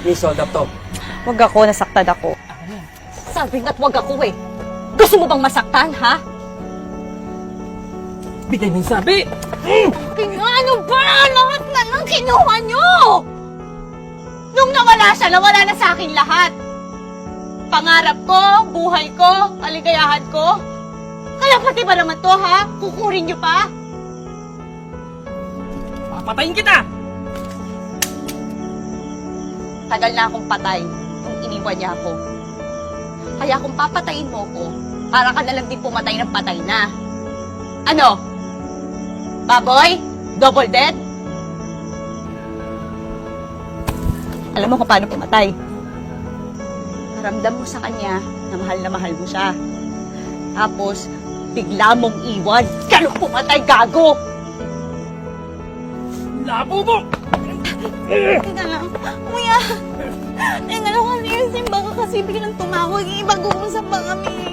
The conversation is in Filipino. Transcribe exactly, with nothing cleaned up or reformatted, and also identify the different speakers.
Speaker 1: Please hold up to.
Speaker 2: Wag ako, nasaktan ako.
Speaker 3: Sabi nga't wag ako eh. Gusto mo bang masaktan, ha?
Speaker 1: Bigay mo yung sabi!
Speaker 3: Kaya ano ba? Lahat na lang kinuha nyo! Nung nawala siya, nawala na sa akin lahat. Pangarap ko, buhay ko, kaligayahan ko. Kaya pati ba naman to, ha? Kukurin nyo pa?
Speaker 1: Papatayin kita!
Speaker 3: Tagal na akong patay nung iniwan niya ako. Kaya kung papatayin mo ko, para ka na lang din pumatay ng patay na. Ano? Baboy? Double dead? Alam mo kung paano pumatay? Paramdam mo sa kanya na mahal na mahal mo siya. Tapos, bigla mong iwan. Ganun pumatay, gago!
Speaker 1: Labo mo!
Speaker 3: Teka lang. Kuya! Teka lang kasi yung simba ka kasi biglang tumawag. Ibag-uusap ba kami?